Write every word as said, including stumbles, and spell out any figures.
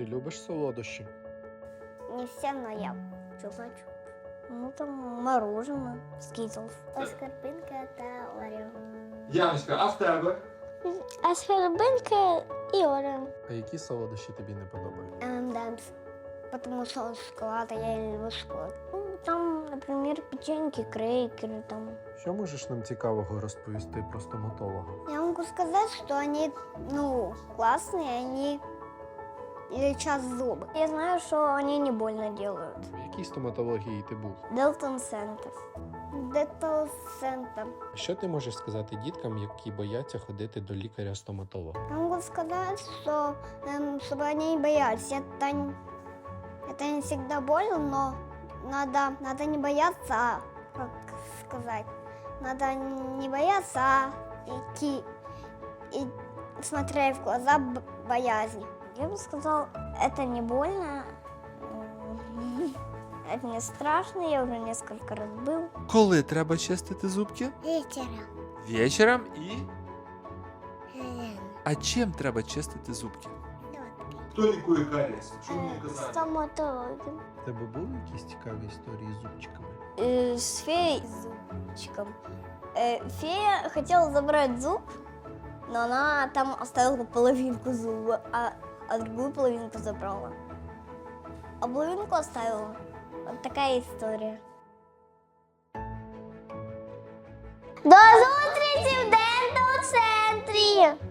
Ти любиш солодощі? Не все, но я чупа-чуп. Ну, там мороженое, скитлс. Скорбинка та Орео. Яночка, а в тебе? А скорбинка и Орео. А які солодощі тобі не подобаються? эм энд эмс. Потому что он шоколад, а я не люблю шоколад. Ну, там, например, печеньки, крекеры там. Що можеш нам цікавого розповісти про стоматолога? Я могу сказать, что они, ну, классные, они лечат зубы. Я знаю, что они не больно делают. В якій стоматології ти був? Делтон Центр. Детал Центр. Що ти можеш сказати діткам, які бояться ходити до лікаря-стоматолога? Я могу сказать, что, эм, чтобы они не боялись. Это, н- это не всегда больно, но надо, надо не бояться, а, как сказать, надо не бояться, а идти и смотреть в глаза б- боязни. Я бы сказал, это не больно, м, это не страшно, я уже несколько раз был. Коли треба чистити зубки? Вечером. Вечором і. А чим треба чистити зубки? Хто лікує карієс? Що мені казати? Стоматологом. У тебе були якісь цікаві історії з зубчиками? Э, с феей с зубчиком. Э, фея хотела забрать зуб, но она там оставила половинку зуба, а, а другую половинку забрала. А половинку оставила. Вот такая история. До зустрічі в дентал центрі!